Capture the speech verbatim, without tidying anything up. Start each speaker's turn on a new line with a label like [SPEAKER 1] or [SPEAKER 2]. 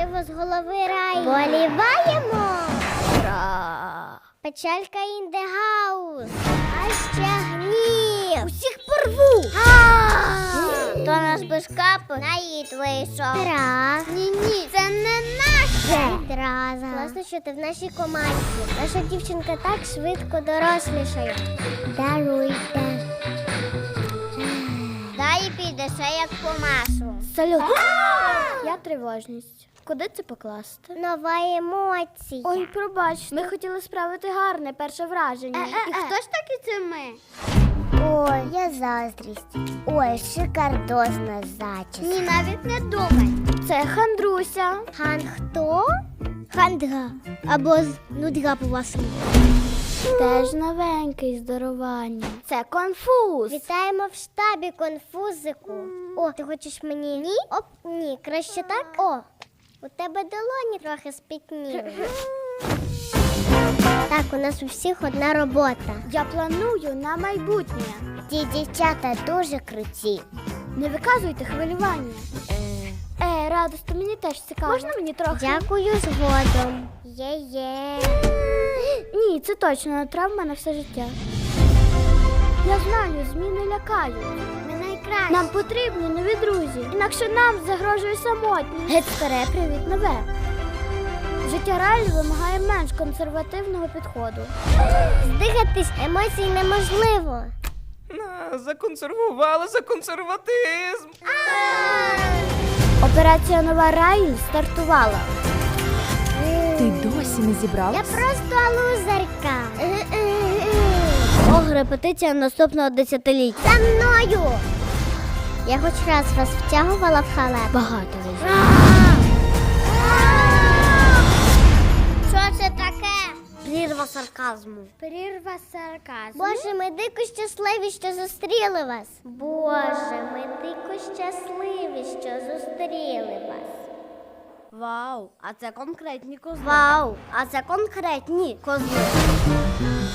[SPEAKER 1] можливо, з голови раю. Боліваємо! Ура! Печалька in the house. А ще гнів. Усіх порву. То наш бешкап наїд вийшов. Раз. Ні-ні, це не наше. Відразу. Класно, що ти в нашій команді. Наша дівчинка так швидко дорослішає. Даруйте. Далі піде ще як по маслу.
[SPEAKER 2] Салют. Я тривожність. Куди це покласти?
[SPEAKER 1] Нова емоція.
[SPEAKER 2] Ой, пробач, ми хотіли справити гарне перше враження.
[SPEAKER 1] Е-е-е.
[SPEAKER 2] І хто ж таки це ми?
[SPEAKER 1] Ой, я заздрість. Ой, шикардосна зачіска. Ні, навіть не думай.
[SPEAKER 2] Це Хандруся.
[SPEAKER 1] Хан хто? Хандга. Або з нудга по-вашому.
[SPEAKER 2] Теж новенький здорування. Це конфуз.
[SPEAKER 1] Вітаємо в штабі, конфузику. О, ти хочеш мені? Ні? Оп, ні, краще так? О, у тебе долоні трохи спітніли. Так, у нас у всіх одна робота.
[SPEAKER 2] Я планую на майбутнє.
[SPEAKER 1] Ті дівчата дуже круті.
[SPEAKER 2] Не виказуйте хвилювання. Е, радості, мені теж цікаво. Можна мені трохи?
[SPEAKER 1] Дякую згодом. Є-є.
[SPEAKER 2] Ні, це точно травма на все життя. Я знаю, зміни лякають.
[SPEAKER 1] Ми найкращі.
[SPEAKER 2] Нам потрібні нові друзі, інакше нам загрожує самотність. Геть старе, привіт, нове. Життя реально вимагає менш консервативного підходу.
[SPEAKER 1] Здихатись емоцій неможливо.
[SPEAKER 3] На, законсервували за консерватизм.
[SPEAKER 2] Операція «Нова Раїль» стартувала.
[SPEAKER 4] Ти досі не
[SPEAKER 1] Я
[SPEAKER 4] зібралась?
[SPEAKER 1] просто лузерка.
[SPEAKER 2] Ох, репетиція наступного десятиліття.
[SPEAKER 1] За мною! Я хоч раз вас втягувала в халеп.
[SPEAKER 2] Багато разів.
[SPEAKER 1] Що це таке?
[SPEAKER 2] Прірва сарказму.
[SPEAKER 1] Прірва сарказму. Боже, ми дико щасливі, що зустріли вас. Боже, ми дико щасливі, що зустріли вас.
[SPEAKER 2] Вау, а це конкретні козли.
[SPEAKER 1] Вау,
[SPEAKER 2] а це конкретні козли.